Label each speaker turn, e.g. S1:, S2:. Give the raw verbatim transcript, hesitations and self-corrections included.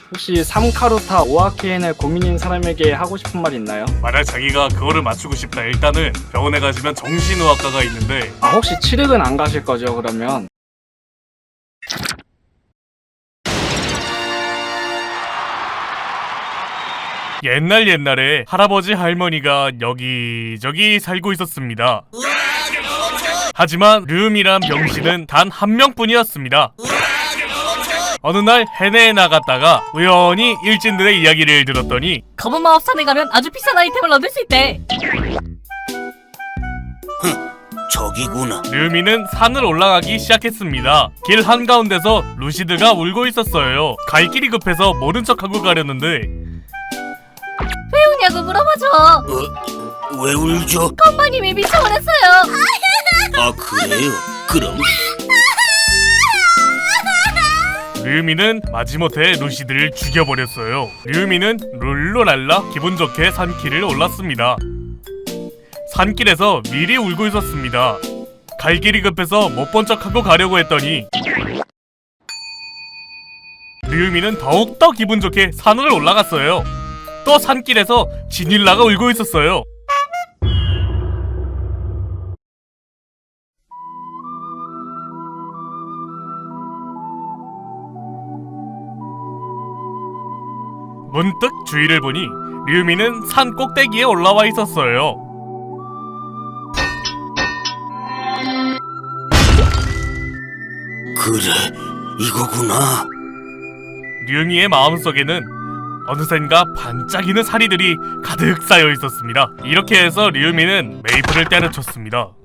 S1: 혹시 삼카루타 오아케인을 고민인 사람에게 하고 싶은 말 있나요?
S2: 만약 자기가 그거를 맞추고 싶다, 일단은 병원에 가시면 정신의학과가 있는데
S1: 아 혹시 칠흑은 안 가실 거죠 그러면?
S2: 옛날 옛날에 할아버지 할머니가 여기저기 살고 있었습니다. 하지만 르음이란 병신은 단 한 명뿐이었습니다. 어느 날 해내에 나갔다가 우연히 일진들의 이야기를 들었더니
S3: 검은 마법산에 가면 아주 비싼 아이템을 얻을 수 있대.
S4: 저기구나.
S2: 르미는 산을 올라가기 시작했습니다. 길 한가운데서 루시드가 울고 있었어요. 갈 길이 급해서 모른 척하고 가려는데
S3: 왜 우냐고 물어봐줘.
S4: 어? 왜 울죠?
S3: 건방님이 미쳐버렸어요.
S4: 아 그래요? 그럼
S2: 르미는 마지못해 루시드를 죽여버렸어요. 르미는 룰루랄라 기분 좋게 산길을 올랐습니다. 산길에서 미리 울고 있었습니다. 갈 길이 급해서 못 본 척하고 가려고 했더니 르미는 더욱더 기분 좋게 산을 올라갔어요. 또 산길에서 지닐라가 울고 있었어요. 문득 주위를 보니 류미는 산 꼭대기에 올라와 있었어요.
S4: 그래 이거구나.
S2: 류미의 마음속에는 어느샌가 반짝이는 사리들이 가득 쌓여 있었습니다. 이렇게 해서 류미는 메이플을 때려쳤습니다.